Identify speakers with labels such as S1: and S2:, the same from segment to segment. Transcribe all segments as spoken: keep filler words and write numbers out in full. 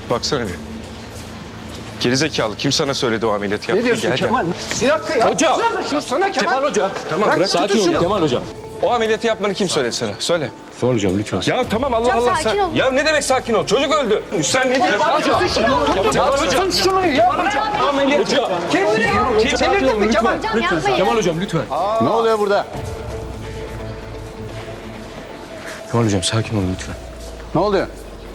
S1: Baksana bir. Gerizekalı kim sana söyledi o ameliyatı yaptın?
S2: Ne diyorsun
S1: Gel,
S2: Kemal? Bir dakika ya.
S3: Hocam.
S2: Sana Kemal.
S3: Kemal Hoca.
S1: Tamam
S2: Bırak,
S1: bırak.
S3: Sakin olun Kemal Hocam.
S1: O ameliyatı yapmanı kim söyledi sana? Söyle.
S3: Sor hocam lütfen.
S1: Ya tamam Allah
S4: Hocam,
S1: Allah
S4: sakin
S1: sen.
S4: ol.
S1: Ya ne demek sakin ol? Çocuk öldü. Sen ne diyorsun?
S3: Kemal Hocam.
S2: Şunu ya.
S1: Ameliyat.
S2: Kendine gel. Çelirdin mi Kemal?
S4: Hocam yapmayın.
S3: Kemal Hocam lütfen.
S5: Ne oluyor burada?
S3: Kemal Hocam sakin olun lütfen.
S5: Ne oluyor?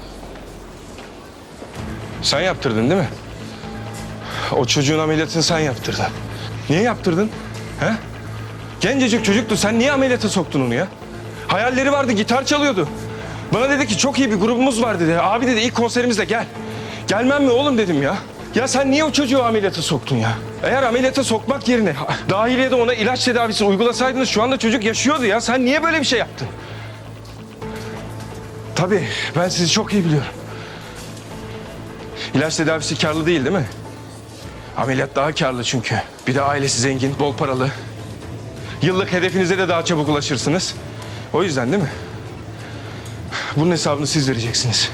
S1: Sen yaptırdın değil mi? O çocuğun ameliyatını sen yaptırdın. Niye yaptırdın? He? Gencecik çocuktu. Sen niye ameliyata soktun onu ya? Hayalleri vardı, gitar çalıyordu. Bana dedi ki çok iyi bir grubumuz var dedi. Abi dedi ilk konserimizde gel. Gelmem mi oğlum dedim ya. Ya sen niye o çocuğu ameliyata soktun ya? Eğer ameliyata sokmak yerine dahiliyede ona ilaç tedavisi uygulasaydınız şu anda çocuk yaşıyordu ya. Sen niye böyle bir şey yaptın? Tabii ben sizi çok iyi biliyorum. İlaç tedavisi karlı değil değil mi? Ameliyat daha karlı çünkü. Bir de ailesi zengin, bol paralı. Yıllık hedefinize de daha çabuk ulaşırsınız. O yüzden değil mi? Bunun hesabını siz vereceksiniz.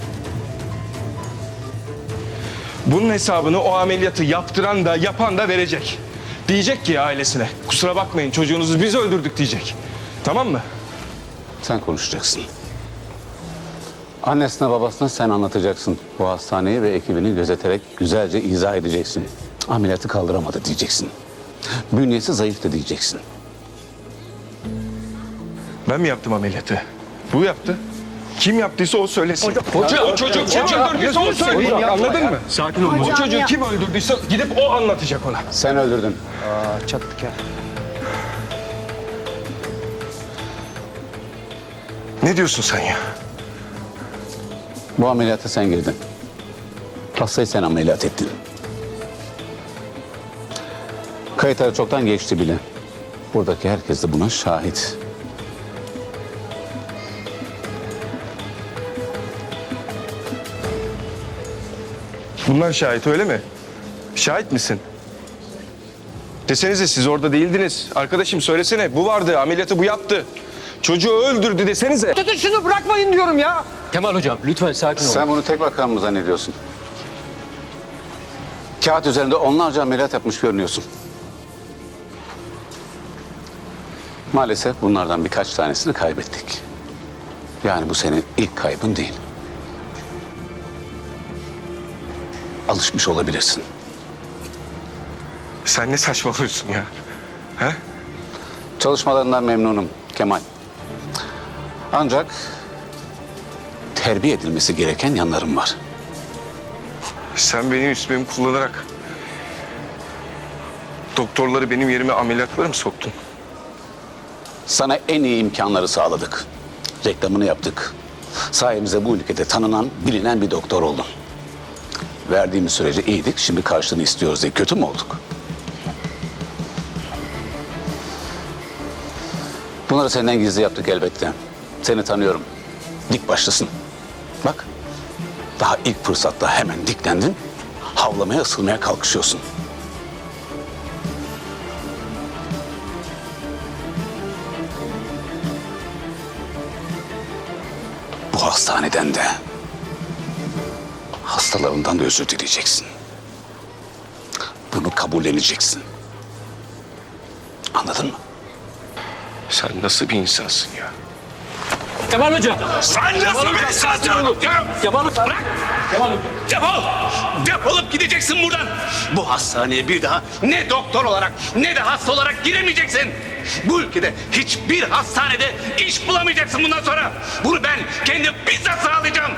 S1: Bunun hesabını o ameliyatı yaptıran da yapan da verecek. Diyecek ki ailesine, kusura bakmayın çocuğunuzu biz öldürdük diyecek. Tamam mı?
S5: Sen konuşacaksın. Annesine babasına sen anlatacaksın. Bu hastaneyi ve ekibini gözeterek güzelce izah edeceksin. Ameliyatı kaldıramadı diyeceksin. Bünyesi zayıftı diyeceksin.
S1: Ben mi yaptım ameliyatı? Bu yaptı. Kim yaptıysa o söylesin.
S3: Hocam,
S1: o çocuk kim öldürdüyse o söyleyin.
S3: Hocam,
S1: Anladın mı?
S3: Sakin olun.
S1: O
S4: Hocam
S1: çocuğu
S4: ya.
S1: kim öldürdüyse gidip o anlatacak ona.
S5: Sen öldürdün.
S2: Aa, çattık ya.
S1: Ne diyorsun sen ya?
S5: Bu ameliyata sen girdin. Hastayı sen ameliyat ettin. Kayıtları çoktan geçti bile. Buradaki herkes de buna şahit.
S1: Bunlar şahit öyle mi? Şahit misin? Desenize siz orada değildiniz. Arkadaşım söylesene bu vardı ameliyatı bu yaptı. Çocuğu öldürdü desenize.
S2: Tutun şunu bırakmayın diyorum ya.
S3: Kemal Hocam lütfen sakin olun.
S5: Sen bunu tek bakan mı zannediyorsun? Kağıt üzerinde onlarca ameliyat yapmış görünüyorsun. Maalesef bunlardan birkaç tanesini kaybettik. Yani bu senin ilk kaybın değil. Alışmış olabilirsin.
S1: Sen ne saçmalıyorsun ya? He?
S5: Çalışmalarından memnunum Kemal. Ancak terbiye edilmesi gereken yanlarım var.
S1: Sen benim ismimi kullanarak doktorları benim yerime ameliyatlara mı soktun?
S5: Sana en iyi imkanları sağladık. Reklamını yaptık. Sayemizde bu ülkede tanınan, bilinen bir doktor oldun. Verdiğimiz sürece iyiydik, şimdi karşılığını istiyoruz diye kötü mü olduk? Bunları senden gizli yaptık elbette. Seni tanıyorum. Dik başlısın. Bak, daha ilk fırsatta hemen diklendin. Havlamaya, ısırmaya kalkışıyorsun. Bu hastaneden de, hastalarından da özür dileyeceksin. Bunu kabulleneceksin. Anladın mı?
S1: Sen nasıl bir insansın ya?
S3: Kemal Hocam.
S6: Sen nasıl bir insansın?
S3: Kemal Hocam.
S6: Bırak!
S3: Kemal Hocam.
S6: Defol! Defolup gideceksin buradan. Bu hastaneye bir daha ne doktor olarak ne de hasta olarak giremeyeceksin. Bu ülkede hiçbir hastanede iş bulamayacaksın bundan sonra. Bunu ben kendim bizzat sağlayacağım.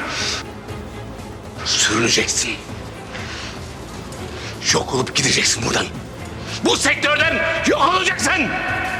S6: Sürüneceksin. Yok olup gideceksin buradan. Bu sektörden yok olacaksın.